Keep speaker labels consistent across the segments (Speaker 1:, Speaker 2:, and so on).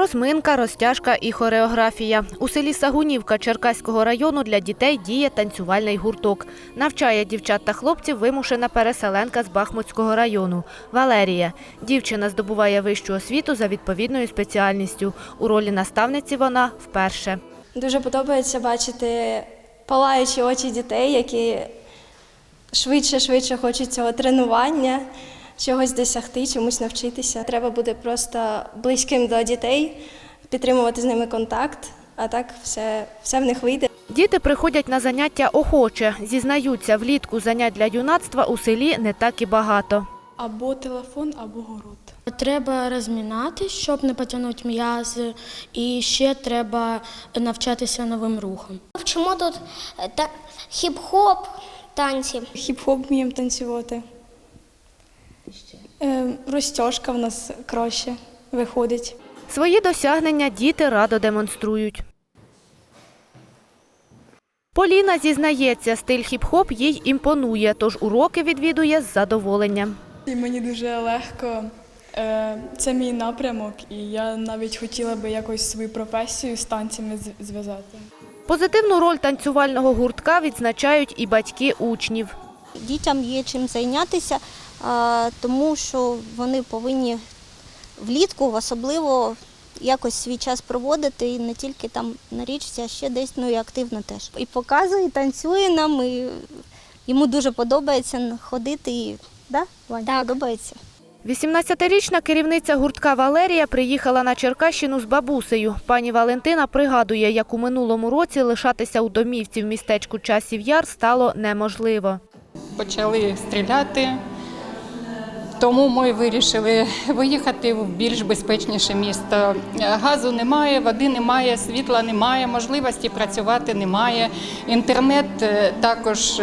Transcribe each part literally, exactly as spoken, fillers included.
Speaker 1: Розминка, розтяжка і хореографія. У селі Сагунівка Черкаського району для дітей діє танцювальний гурток. Навчає дівчат та хлопців вимушена переселенка з Бахмутського району – Валерія. Дівчина здобуває вищу освіту за відповідною спеціальністю. У ролі наставниці вона вперше.
Speaker 2: Дуже подобається бачити палаючі очі дітей, які швидше-швидше хочуть цього тренування, чогось досягти, чомусь навчитися. Треба буде просто близьким до дітей, підтримувати з ними контакт, а так все, все в них вийде.
Speaker 1: Діти приходять на заняття охоче. Зізнаються, влітку занять для юнацтва у селі не так і багато.
Speaker 3: Або телефон, або город.
Speaker 4: Треба розмінатися, щоб не потягнути м'язи, і ще треба навчатися новим рухам.
Speaker 5: Вчимо тут та хіп-хоп, танці.
Speaker 3: Хіп-хоп вміємо танцювати. Е, розтяжка в нас краще виходить.
Speaker 1: Свої досягнення діти радо демонструють. Поліна зізнається, стиль хіп-хоп їй імпонує, тож уроки відвідує з задоволенням.
Speaker 3: І мені дуже легко. Е, це мій напрямок, і я навіть хотіла би якось свою професію з танцями зв'язати.
Speaker 1: Позитивну роль танцювального гуртка відзначають і батьки учнів.
Speaker 6: Дітям є чим зайнятися, тому що вони повинні влітку особливо якось свій час проводити і не тільки там на річці, а ще десь, ну і активно теж. І показує, і танцює нам, і йому дуже подобається ходити, і да, Вань,
Speaker 5: так.
Speaker 6: подобається.
Speaker 1: вісімнадцятирічна керівниця гуртка Валерія приїхала на Черкащину з бабусею. Пані Валентина пригадує, як у минулому році лишатися у домівці в містечку Часів Яр стало неможливо.
Speaker 7: Почали стріляти, тому ми вирішили виїхати в більш безпечніше місто. Газу немає, води немає, світла немає, можливості працювати немає. Інтернет також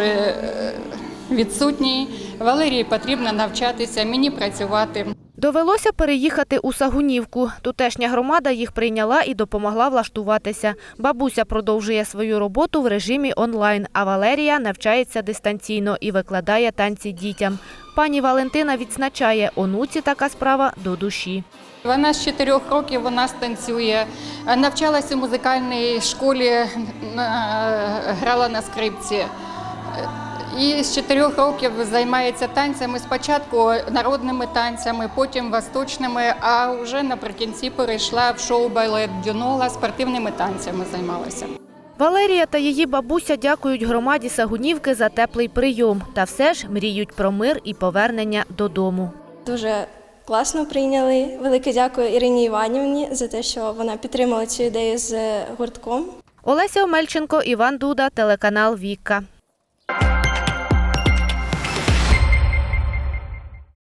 Speaker 7: відсутній. Валерії потрібно навчатися, мені працювати.
Speaker 1: Довелося переїхати у Сагунівку. Тутешня громада їх прийняла і допомогла влаштуватися. Бабуся продовжує свою роботу в режимі онлайн, а Валерія навчається дистанційно і викладає танці дітям. Пані Валентина відзначає, онуці така справа до душі.
Speaker 7: Вона з чотирьох років вона танцює, навчалася у музикальній школі, грала на скрипці. І з чотирьох років займається танцями, спочатку народними танцями, потім восточними, а вже наприкінці перейшла в шоу-балет Дюнола, спортивними танцями займалася.
Speaker 1: Валерія та її бабуся дякують громаді Сагунівки за теплий прийом. Та все ж мріють про мир і повернення додому.
Speaker 2: Дуже класно прийняли. Велике дякую Ірині Іванівні за те, що вона підтримала цю ідею з гуртком.
Speaker 1: Олеся Омельченко, Іван Дуда, телеканал «Вікка».